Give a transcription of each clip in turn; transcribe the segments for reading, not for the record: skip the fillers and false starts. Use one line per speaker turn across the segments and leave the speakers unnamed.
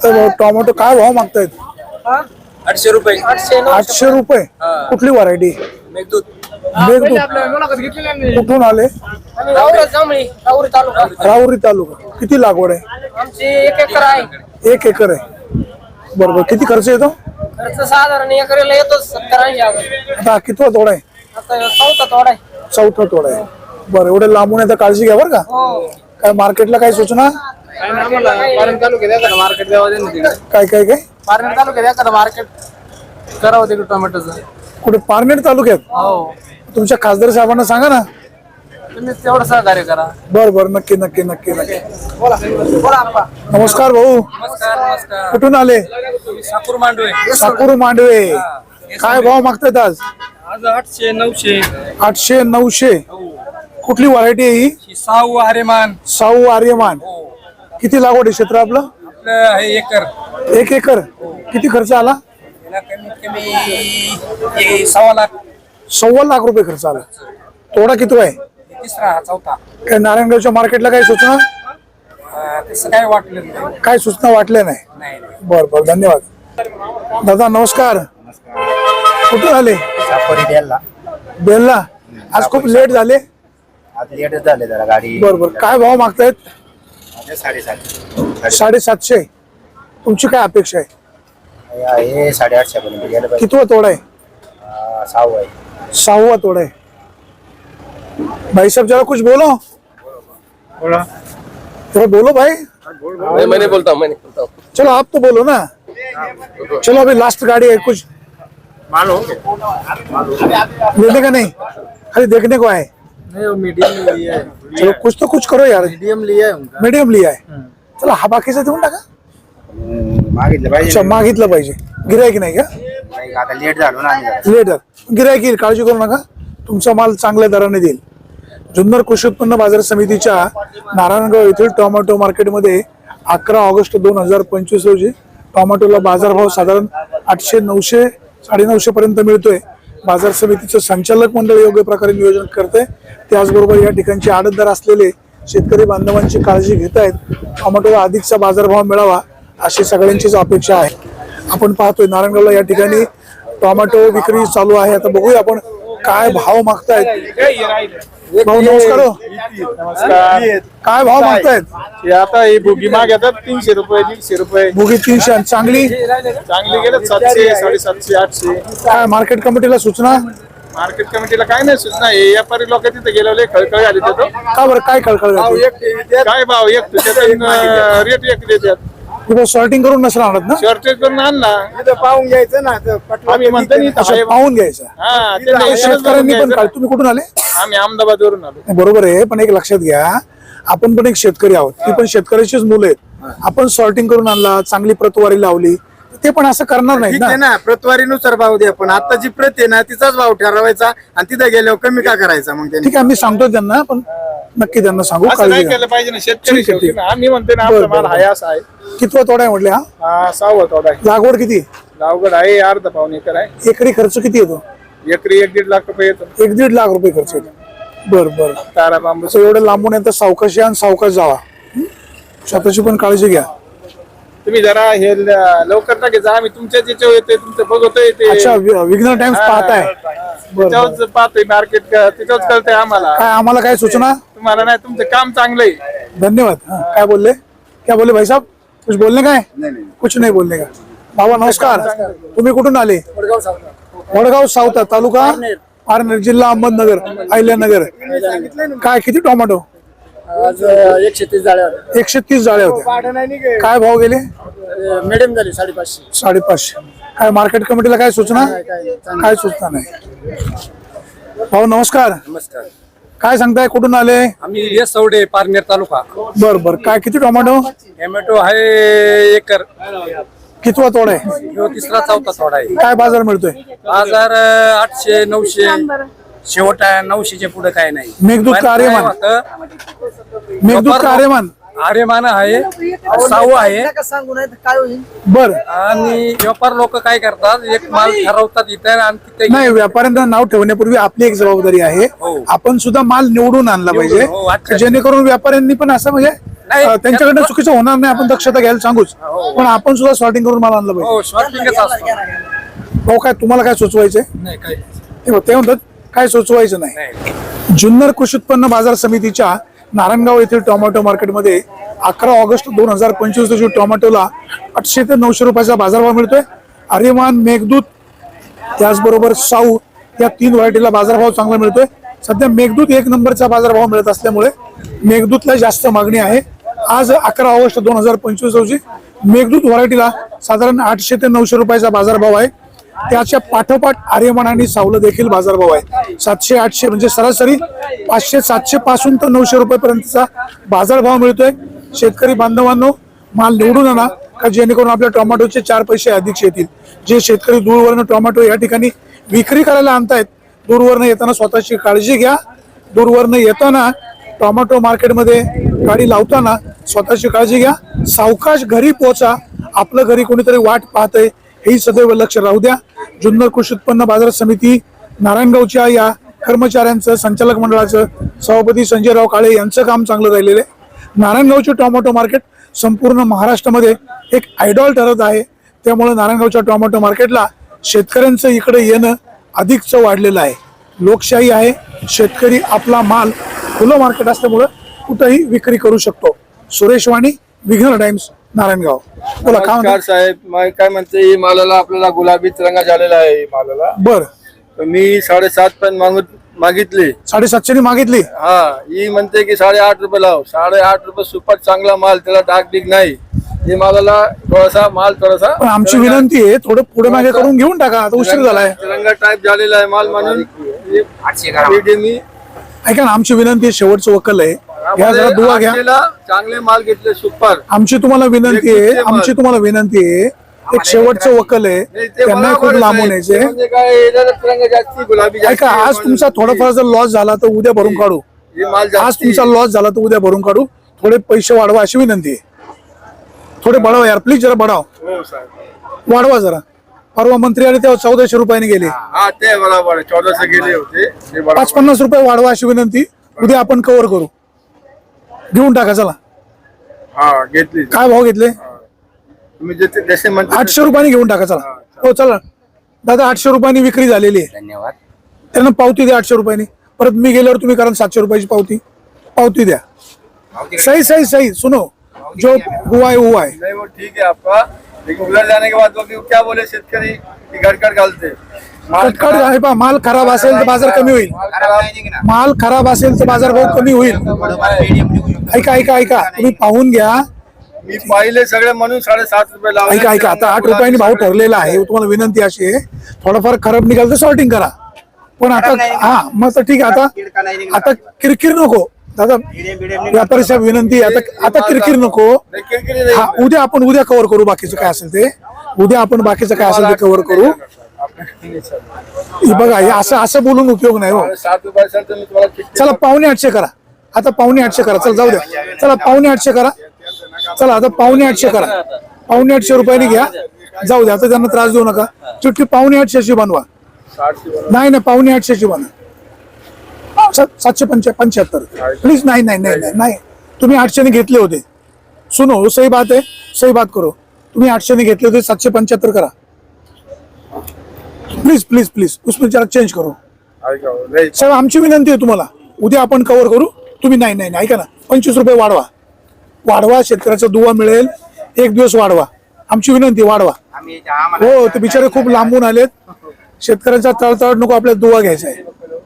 तर टोमॅटो काय भाव मागतायत?
800 रुपये.
800 रुपये. कुठली व्हरायटी?
मेघदूत.
कुठून आले? राहुरी तालुका. किती लागवड आहे?
आमची 1 एकर आहे.
1 एकर आहे. बरोबर. किती खर्च येतो?
खर्च साधारण एकरला येतो 70-80
आता कितवा तोडा आहे?
आता चौथा तोडा आहे.
चौथा तोडा आहे. बरं, एवढे लांबून आता काळजी घ्या बरं का. काय मार्केटला काय सूचना?
पारनेर तालुक्यात एखादं मार्केट द्यावं दे ना तिकडे.
काय काय काय
पारनेर तालुक्यात एखादं मार्केट करावं तिकडे टोमॅटोचं.
कुठे? पारनेर तालुक्यात.
हो,
तुमच्या खासदार साहेबांना सांगा ना.
तुम्ही तेवढं सहकार्य करा.
बरं बरं, नक्की नक्की नक्की नक्की.
बोला आप्पा.
नमस्कार भाऊ.
नमस्कार.
कुठून आले?
साकूर मांडवे.
साकूर मांडवे. काय भाव मागतायत आज?
आज 800-900.
800-900. कुठली व्हरायटी आहे ही?
साऊ आरेमान.
साऊ आर्यमान. किती लागवड आहे क्षेत्र आपलं?
आपलं आहे एकर.
1 एकर. किती खर्च आला?
याला कमीत कमी 1.25 लाख.
1.25 लाख रुपये खर्च आला. तोडा किती आहे?
तिसरा चौथा.
काय नारायणगावच्या मार्केटला काय सूचना?
तसं काय वाटलं नाही.
काय सूचना वाटल्या नाही?
नाही.
बर बर, धन्यवाद. दादा नमस्कार. कुठून आले?
सापोरी द्यायला
बेलला. आज खूप लेट झाले.
आज लेटच झाले जरा गाडी.
बर बर. काय भाव मागतायत?
750.
750. तुमची काय अपेक्षा आहे?
हे 850 पर्यंत गेलं पाहिजे.
कितवा तोडा आहे?
6 आहे.
6वां तोड़ा है। भाई साहब जरा कुछ बोलो। जरा बोलो भाई।
मैं नहीं बोलता हूँ.
चलो आप तो बोलो ना। चलो अभी लास्ट गाड़ी है, कुछ लेने का नहीं, खाली देखने को आए।
नहीं, वो मीडियम लिया है.
चलो कुछ तो कुछ करो यार।
मीडियम लिया है उनका.
मीडियम लिया है. चला हा बाकीचा देऊन टाका.
मागितलं पाहिजे.
अच्छा, मागितलं पाहिजे. गिरायक नाही का?
नाही, आता लेट झालो ना आम्ही जरा.
लेट गिरायक येईल, काळजी करू नका. तुमचा माल चांगल्या दराने देईल. जुन्नर कृषी उत्पन्न बाजार समितीच्या नारायणगाव येथील टोमॅटो मार्केटमध्ये 11 ऑगस्ट 2025 रोजी टोमॅटोला बाजारभाव साधारण 800-900, 950 पर्यंत मिळतोय. बाजार समितीचं संचालक मंडळ योग्य प्रकारे नियोजन करते. त्याचबरोबर या ठिकाणचे आडतदार असलेले शेतकरी बांधवांची काळजी घेत आहेत. टोमॅटोला अधिकचा बाजारभाव मिळावा अशी सगळ्यांचीच अपेक्षा आहे. आपण पाहतोय नारायणगावला या ठिकाणी टोमॅटो विक्री चालू आहे. आता बघूया आपण काय भाव मागतायत. भाऊ नमस्कार. काय भाव मागतायत?
आता ही भुगी मागतात 300 रुपये, 150 रुपये.
भुगी 300 आणि चांगली
चांगली गेलं 700, 750, 800.
काय मार्केट कमिटीला सूचना?
मार्केट कमिटीला काय नाही सूचना. हे व्यापारी लोक तिथे गेलेले खळखळ आले तिथं.
का बरं, काय कळकळ
काय भाव एक रेट एक देतात.
सॉर्टिंग करून नसलं आणत ना?
शॉर्टेज करून आणला
पाहून घ्यायचं ना.
आम्ही म्हणतो ना इथं
अच्छा,
आहे.
पाहून घ्यायचं.
हा, त्यांना इथूनच
शेतकऱ्यांनी
बघून
पण
घ्यायचं.
तुम्ही कुठून आले?
आम्ही अहमदाबाद वरून आलो.
बरोबर आहे, पण एक लक्षात घ्या, आपण पण एक शेतकरी आहोत. ती पण शेतकऱ्याचीच मुलं आहेत. आपण सॉर्टिंग करून आणला, चांगली प्रतवारी लावली, ते पण असं करणार नाही
ठीक आहे
ना.
ना, प्रतवारीनुसार भाव द्या. पण आता जी प्रत आहे ना तिचाच भाव ठरवायचा आणि तिथे गेल्यावर कमी का करायचा मग त्यांनी.
ठीक आहे, मी सांगतो त्यांना, पण नक्की त्यांना सांगू,
असं
काळजी
नाही
घ्या.
केलं पाहिजे ना. शेतकरी
ठीक आहे,
शेवटी
ठीक
ना. आम्ही म्हणतो ना
बरं,
आपला माल
बरं.
आहे असा आहे.
कितवा तोडा आहे म्हटले हा?
हा 6वा तोडा आहे.
लागवड किती?
गावगड आहे अर्धा पाऊण एकर आहे.
एकरी खर्च किती येतो?
एकरी 1-1.5 लाख रुपये येतो.
1-1.5 लाख रुपये खर्च येतो. बर बर.
तारा बांबू
असं एवढं लांबून येतं, सावकाश या आणि सावकाश जावा. स्वतःची पण काळजी घ्या.
तुम्ही जरा हे लवकर टाके जा. आम्ही तुमच्याच याच्यावर येते, तुमचं बघतोय ते.
अच्छा, विघ्न टाइम्स पाहताय. बरं.
त्याच्यावरच पाहतोय मार्केट, त्याच्यावरच कळतंय आम्हाला.
काय आम्हाला काय सूचना?
तुम्हाला नाही, तुमचं काम चांगलं आहे.
धन्यवाद. हाँ, क्या बोले? क्या बोले भाई साहब? कुछ बोलने का है? कुछ नहीं बोलने का. बाबा नमस्कार. तुम्ही कुठून आले? वडगाव सावता, तालुका पारनेर, जिल्हा अहमदनगर, अहिल्यानगर. काय किती टोमॅटो?
आज 130 जाळ्या
130 जाळ्या होत्या. काय भाव गेले?
मीडियम झाली 550.
550. काय मार्केट कमिटीला काय सूचना? काय सूचना नाही. भाऊ नमस्कार.
नमस्कार.
काय सांगताय, कुठून आले?
आम्ही येसवडे, पारनेर तालुका.
बर बर. काय किती टोमॅटो?
टोमॅटो आहे एकर.
कितवा तोडा आहे?
ह्यो तिसरा चौथा तोडा आहे.
काय बाजार मिळतोय?
बाजार 800-900, शेवट 900च्या पुढे काय नाही.
मेघदूत का आर्यमान? मेघदूत का आर्यमान?
आर्यमान आहे, साऊ आहे.
सांगू नाही काय होईल.
बर.
आणि व्यापार लोक काय करतात, एक माल ठरवतात इथे आणि तिथे
नाही, व्यापाऱ्यांना नाव ठेवण्यापूर्वी आपली एक जबाबदारी आहे.
हो.
आपण सुद्धा माल निवडून आणला
हो,
पाहिजे,
अच्छा.
जेणेकरून व्यापाऱ्यांनी पण असं म्हणजे
नाही,
त्यांच्याकडनं चुकीचं होणार नाही, आपण दक्षता घ्यायला सांगूच, पण आपण सुद्धा सॉर्टिंग करून माल आणलं पाहिजे.
हो शॉर्टिंगच असतो.
भाऊ काय तुम्हाला काय सुचवायचंय?
नाही काही
ते म्हणतात काय सुचवायचं नाही.
नाही.
जुन्नर कृषी उत्पन्न बाजार समितीच्या नारायणगाव येथील टोमॅटो मार्केटमध्ये 11 ऑगस्ट 2025 रोजी टोमॅटोला 800 ते 900 रुपयाचा बाजारभाव मिळतोय. आर्यमान, मेघदूत त्याचबरोबर साऊ या 3 व्हरायटीला बाजारभाव चांगला मिळतोय. सध्या मेघदूत 1 नंबरचा बाजारभाव मिळत असल्यामुळे मेघदूतला जास्त मागणी आहे. आज 11 ऑगस्ट 2025 रोजी मेघदूत व्हरायटीला साधारण 800 ते 900 रुपयाचा बाजारभाव आहे. त्याच्या पाठोपाठ आर्यमान आणि सावला देखील बाजारभाव आहे. 700-800 म्हणजे सरासरी 500-700 पासून तर 900 रुपयापर्यंतचा बाजारभाव मिळतोय. शेतकरी बांधवांनो, माल निवडून आणा का जेणेकरून आपल्या टोमॅटोचे 4 पैसे अधिक येतील. जे शेतकरी दूरवरनं टोमॅटो या ठिकाणी विक्री करायला आणतायत, दूरवरनं येताना स्वतःची काळजी घ्या. दूरवरनं येताना टोमॅटो मार्केटमध्ये गाडी लावताना स्वतःची काळजी घ्या. सावकाश घरी पोहोचा. आपलं घरी कोणीतरी वाट पाहतंय हेही सदैव लक्ष राहू द्या. जुन्नर कृषी उत्पन्न बाजार समिती नारायणगावच्या या कर्मचाऱ्यांचं, संचालक मंडळाचं, सभापती संजयराव काळे यांचं काम चांगलं राहिलेलं आहे. नारायणगावचे टोमॅटो मार्केट संपूर्ण महाराष्ट्रामध्ये एक आयडॉल ठरत आहे. त्यामुळे नारायणगावच्या टोमॅटो मार्केटला शेतकऱ्यांचं इकडे येणं अधिकच वाढलेलं आहे. लोकशाही आहे. शेतकरी आपला माल खुलं मार्केट असल्यामुळं कुठंही विक्री करू शकतो. सुरेश वाणी, विघ्नर टाइम्स, नारायणगाव. बोला काय
नमस्कार साहेब, काय म्हणते, ही मालाला आपल्याला गुलाबीच रंग झालेला आहे. ही मालाला
बर
तर मी 7.5 पण मागितली.
750 मागितली.
हा, ही म्हणते की 8.5 रुपये लाव. 8.5 रुपये सुपर चांगला माल, त्याला डाग बिग नाही. ही मालाला थोडासा माल थोडासा
पण आमची विनंती आहे थोडं पुढे मागे करून घेऊन टाका, आता उशीर झालाय.
तिरंगा टाईप झालेला आहे माल म्हणून मी
ऐका ना, आमची विनंती आहे, शेवटचं वकल आहे, घ्या जरा दुवा घ्या.
चांगले माल घेतले सुपर.
आमची तुम्हाला विनंती आहे, एक शेवटचं वकल आहे, त्यांना खूप लांबून यायचे.
म्हणजे काय, तिरंगा जास्ती, गुलाबी
ऐका, आज तुमचा थोडाफार जर लॉस झाला तर उद्या भरून काढू. आज तुमचा लॉस झाला तर उद्या भरून काढू. थोडे पैसे वाढवा अशी विनंती आहे. थोडे बढावा यार, प्लीज जरा बढाव, वाढवा जरा. परवा मंत्री आले तेव्हा 1400 रुपयाने गेले.
हा, ते बरोबर 1400 गेले होते.
550 रुपये वाढवा अशी विनंती. उद्या आपण कव्हर करू. घेऊन टाका चला.
हा, घेतली.
काय भाव घेतले?
तुम्ही जसे म्हणता
800 रुपयाने घेऊन टाका चला. हो चला दादा, 800 रुपयानी विक्री झालेली आहे.
धन्यवाद.
त्यांना पावती द्या 800 रुपयानी. परत मी गेल्यावर तुम्ही कारण 700 रुपयाची पावती द्या. सही सही सही, सुनो, जो हुआ है हुआ है.
नहीं, वो ठीक है आपका, लेकिन उधर जाने के बाद वो क्या बोले शेतकरी की गडकड घालते.
कटकट आहे पा, माल खराब असेल तर बाजार कमी होईल. माल खराब असेल तर बाजार भाव कमी होईल. ऐका, तुम्ही पाहून घ्या.
मी पाहिले सगळे म्हणून 7.5 रुपये लावले.
ऐका, आता 8 रुपयांनी भाव ठरलेला आहे. तुम्हाला विनंती अशी आहे, थोडंफार खराब निघाल तर सॉर्टिंग करा. पण आता हा मग तर ठीक आहे. आता किरकिर नको दादा, व्यापारी साहेब विनंती आहे, आता किरकिर नको. हा, उद्या आपण कव्हर करू बाकीचं काय असेल ते. उद्या आपण बाकीचं काय असेल ते कव्हर करू. बघा, हे असं बोलून उपयोग नाही हो.
7 रुपये असेल तर मी तुम्हाला किती
चला 750 करा. आता 750 करा. चल जाऊ द्या. चला 750 करा. चला आता 750 करा. 750 रुपयाने घ्या, जाऊ द्या. आता त्यांना त्रास देऊ नका. चिठ्ठी 750 बनवा.
700
नाही 750 बनवा. 775 प्लीज. नाही, तुम्ही 800 घेतले होते. सुनो, सही बात है, सही बात करो. तुम्ही 800 घेतले होते, 775 करा. प्लीज उसमें जरा चेंज करो साहेब. आमची विनंती आहे तुम्हाला. उद्या आपण कव्हर करू. तुम्ही नाही ऐका ना, 25 रुपये वाढवा. शेतकऱ्याचा दुवा मिळेल. एक दिवस वाढवा. आमची विनंती, वाढवा. हो, ते बिचारे खूप लांबून आलेत. शेतकऱ्यांचा तळतळ नको, आपल्याला दुवा घ्यायचा आहे.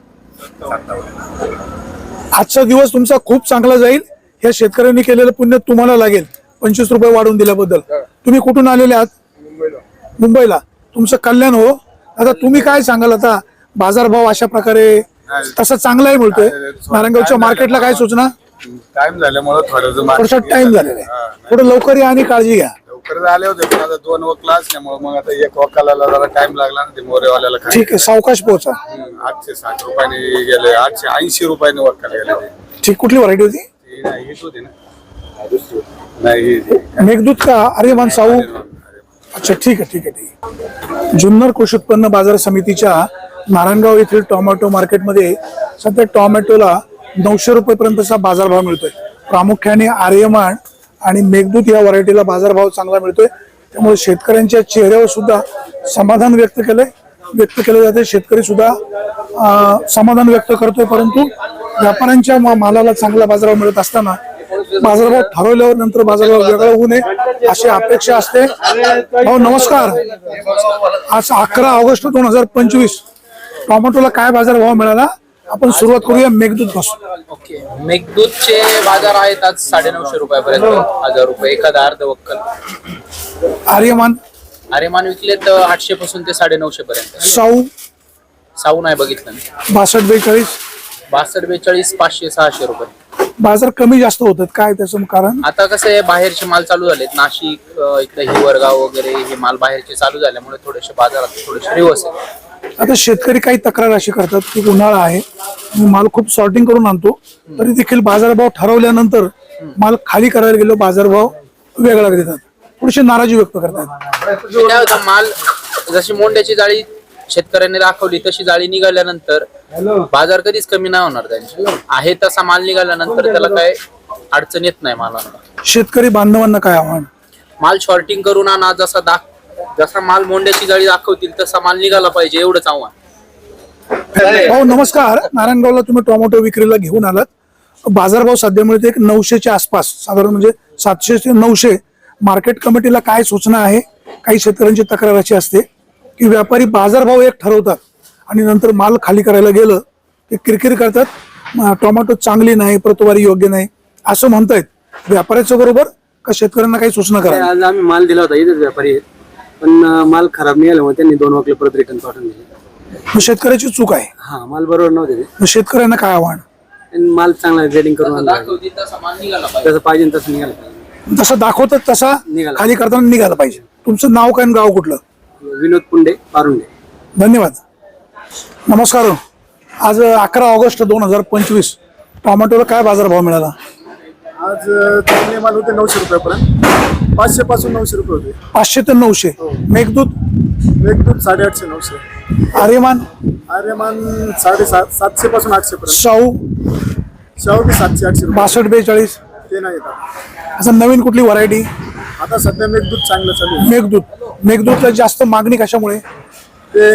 आजचा दिवस तुमचा खूप चांगला जाईल. या शेतकऱ्यांनी केलेलं पुण्य तुम्हाला लागेल. 25 रुपये वाढवून दिल्याबद्दल. तुम्ही कुठून आलेले आहात? मुंबईला. तुमचं कल्याण हो. आता तुम्ही काय सांगाल? आता बाजारभाव अशा प्रकारे तसा चांगलाही मिळतोय. नारायणगावच्या मार्केटला काय सूचना?
टाइम झाल्यामुळे
थोडासा टाइम झालेला आहे. थोडं लवकर या आणि काळजी घ्या.
लवकर आले होते, पण आता 2 वकला असल्यामुळे मग आता 1 वकाला जरा टाइम लागला ना. ते मोरेवाल्याला
ठीक आहे, सावकाश पोहोचा.
860 रुपयाने गेले. 880 रुपयाने वकाला गेले.
ठीक. कुठली व्हरायटी होती?
हीच होती ना, दुसरी नाही.
मेघदूत का आर्यमान साऊ? अच्छा, ठीक आहे. जुन्नर कृषी उत्पन्न बाजार समितीच्या नारायणगाव येथील टोमॅटो मार्केटमध्ये सध्या टोमॅटोला 900 रुपयेपर्यंतचा बाजारभाव मिळतोय. प्रामुख्याने आर्यमान आणि मेघदूत या व्हरायटीला बाजारभाव चांगला मिळतोय, त्यामुळे शेतकऱ्यांच्या चेहऱ्यावर सुद्धा समाधान व्यक्त केलं जाते. शेतकरी सुद्धा समाधान व्यक्त करतोय, परंतु व्यापाऱ्यांच्या मालाला चांगला बाजारभाव मिळत असताना बाजारभाव ठरवल्यावर नंतर बाजारभाव वेगळा होऊ नये अशी अपेक्षा असते. भाऊ नमस्कार. आज 11 ऑगस्ट 2025 टोमॅटोला काय बाजारभाव मिळाला? आपण सुरुवात करूया मेघदूत पासून.
ओके, मेघदूतचे बाजार आहेत आज 950 रुपयापर्यंत, 1000 रुपये एखादा अर्ध वक्कल. आर्यमान विकलेत 800 पासून ते 950 पर्यंत.
साऊ
नाही बघितलं मी.
62-42
62-42 500-600 रुपये.
बाजार कमी जास्त होतात, काय त्याचं कारण?
आता कसं आहे, बाहेरचे माल चालू झालेत. नाशिक इकडे हिवरगाव वगैरे हे माल बाहेरचे चालू झाल्यामुळे थोडेसे बाजारात थोडेसे रिवर्स आहे.
आता शेतकरी काही तक्रार अशी करतात की उन्हाळा आहे, मी माल खूप सॉर्टिंग करून आणतो, तरी देखील बाजारभाव ठरवल्यानंतर माल खाली करायला गेलो बाजारभाव वेगळा देतात, थोडीशी नाराजी व्यक्त करतात.
काय होतं, माल जशी मोंड्याची जाळी शेतकऱ्यांनी दाखवली तशी जाळी निघाल्यानंतर बाजार कधीच कमी नाही होणार त्यांची. आहे तसा माल निघाल्यानंतर त्याला काय अडचण येत नाही मालाला.
शेतकरी बांधवांना काय आव्हान?
माल शॉर्टिंग करून आणा, जसा माल मोंड्याची जाळी दाखवतील तसा माल निघाला पाहिजे, एवढंच आव्हान.
भाऊ नमस्कार. नारायणगावला तुम्ही टोमॅटो विक्रीला घेऊन आलात. बाजारभाव सध्या मिळते 900च्या आसपास, साधारण म्हणजे 700 ते 900. मार्केट कमिटीला काय सूचना आहे? काही शेतकऱ्यांची तक्रार अशी असते की व्यापारी बाजारभाव एक ठरवतात आणि नंतर माल खाली करायला गेलं ते किरकिर करतात, टोमॅटो चांगली नाही, प्रतवारी योग्य नाही असं म्हणतायत. व्यापाऱ्याच्या बरोबर का शेतकऱ्यांना काही सूचना करा?
आज आम्ही माल दिला होता, इथेच व्यापारी आहेत, पण माल खराब निघाल्यामुळे त्यांनी 2 वकले परत रिटर्न पाठवून दिले.
मग शेतकऱ्याची चूक आहे.
हा, माल बरोबर नव्हते ते.
मग शेतकऱ्यांना काय आव्हान?
आणि माल चांगला ग्रेडिंग करून आणला पाहिजे.
दाखवतील तसा माल निघाला पाहिजे.
जसं पाहिजे तसं निघाला पाहिजे.
जसं दाखवतात तसा
निघाला.
खाली करताना निघाला पाहिजे. तुमचं नाव काय आणि गाव कुठलं?
विनोद पुंडे, पारुंडे.
धन्यवाद. नमस्कार. आज 11 ऑगस्ट 2025 टोमॅटोला काय बाजारभाव मिळाला?
आज चांगले माल होते 900 रुपयापर्यंत, 500 पासून 900 रुपये होते.
500 ते 900. मेघदूत?
मेघदूत 850-900.
आर्यमान?
आर्यमान 750 पासून 800 पर्यंत.
शाहू
बी 700-800 रुपये.
62-42.
ते नाही येतात.
असं नवीन कुठली व्हरायटी?
आता सध्या मेघदूत चांगलं चालू आहे.
मेघदूतला जास्त मागणी कशामुळे?
ते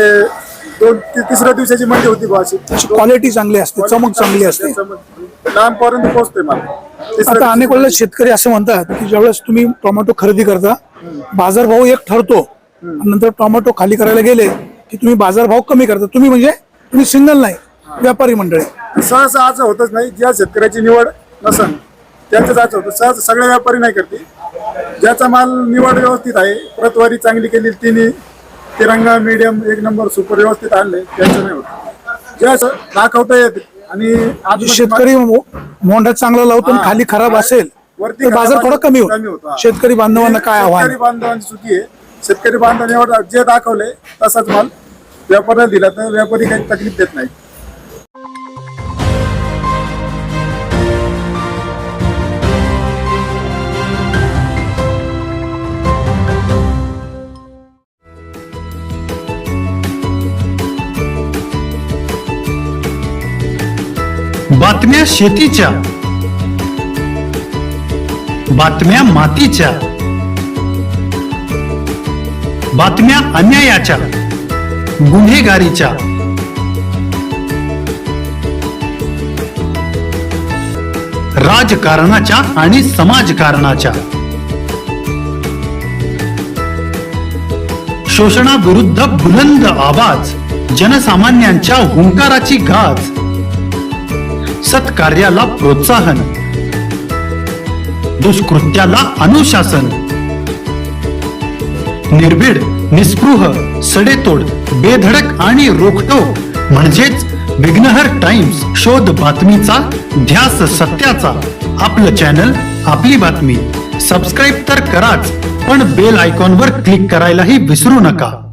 2-3 दिवसाची मंडी होती भावाची.
क्वालिटी चांगली असते, चमक चांगली असते.
लांब पर्यंत पोहोचते माल.
आता अनेक वेळेला शेतकरी असं म्हणतात की ज्यावेळेस तुम्ही टोमॅटो खरेदी करता बाजारभाव एक ठरतो आणि नंतर टोमॅटो खाली करायला गेले की तुम्ही बाजारभाव कमी करता. तुम्ही सिंगल नाही, व्यापारी मंडळी.
सहसा असं होतच नाही. ज्या शेतकऱ्याची निवड नसन त्याच असं होतं. सहसा सगळे व्यापारी नाही करते. ज्याचा माल निवड व्यवस्थित आहे, प्रतवारी चांगली केली, तिरंगा मीडियम 1 नंबर सुपर व्यवस्थित आणले, त्यांचं नाही होत. जे असं दाखवता येते आणि
शेतकरी मोंढ्यात चांगला लावतो आणि खाली खराब असेल
वरती
तर बाजार थोडा कमी होतो. शेतकरी बांधवांना काय आव्हान?
शेतकरी बांधवांची चुकी आहे. शेतकरी बांधवांनी जे दाखवले तसाच माल व्यापाऱ्याला दिला तर व्यापारी काही तकलीफ देत नाही.
बातम्या शेतीच्या, बातम्या मातीच्या, बातम्या अन्यायाच्या, गुन्हेगारीच्या, राजकारणाच्या आणि समाजकारणाच्या, शोषणाविरुद्ध बुलंद आवाज, जनसामान्यांच्या हुंकाराची गाज, सत्कार्याला प्रोत्साहन, दुष्कृत्याला अनुशासन, निर्भीड, निस्पृह, सडेतोड, बेधडक आणि रोखटोक म्हणजेच विघ्नहर टाइम्स. शोध बातमीचा, ध्यास सत्याचा. आपलं चॅनल, आपली बातमी. सबस्क्राईब तर कराच, पण बेल आयकॉनवर क्लिक करायलाही विसरू नका.